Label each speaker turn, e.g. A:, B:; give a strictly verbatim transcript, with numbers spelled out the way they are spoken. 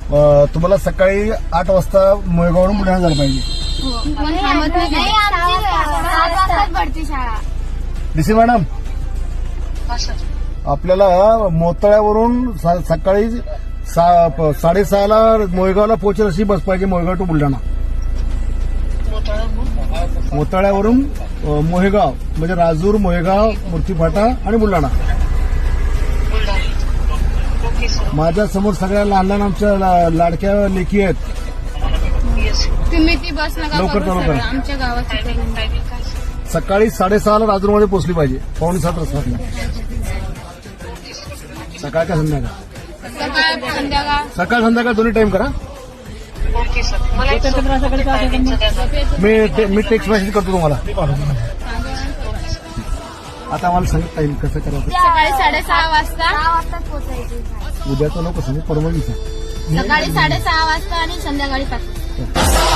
A: अं, तुम्हाला सकाळी आठ वाजता मोयगाववरून बुलढाणा झालं पाहिजे. डीसी मॅडम, आपल्याला मोताळ्यावरून सा- सकाळी सा- साडेसहाला मोयगावला पोहोचेल अशी बस पाहिजे, मोयगाव टू बुलढाणा. मोताळ्यावरून अं, मोहेगाव म्हणजे राजूर, मोहेगाव, मूर्तीफाटा आणि बुलढाणा. माझ्या समोर सगळ्या लहान लहान आमच्या ला- लाडक्या लेखी आहेत.
B: तुम्ही ती बस नका
A: लवकर
B: करू
A: लवकर.
B: सर, आमच्या गावाची करून.
A: सकाळी साडेसहाला राजूरमध्ये पोहोचली पाहिजे, पावणे सात वाजता. सकाळ का संध्याकाळ?
B: सकाळ संध्याकाळ.
A: सकाळ संध्याकाळ दोन्ही टाइम करा. मी ते- मी टेक्स्ट मेसेज करतो तुम्हाला. आता आम्हाला सांगितलं टाइम कसं करायचं.
B: सकाळी साडेसहा वाजता
A: उद्याचं नको सांगू, परवा दिवसा.
B: सकाळी साडेसहा वाजता आणि संध्याकाळी पाच वाजता.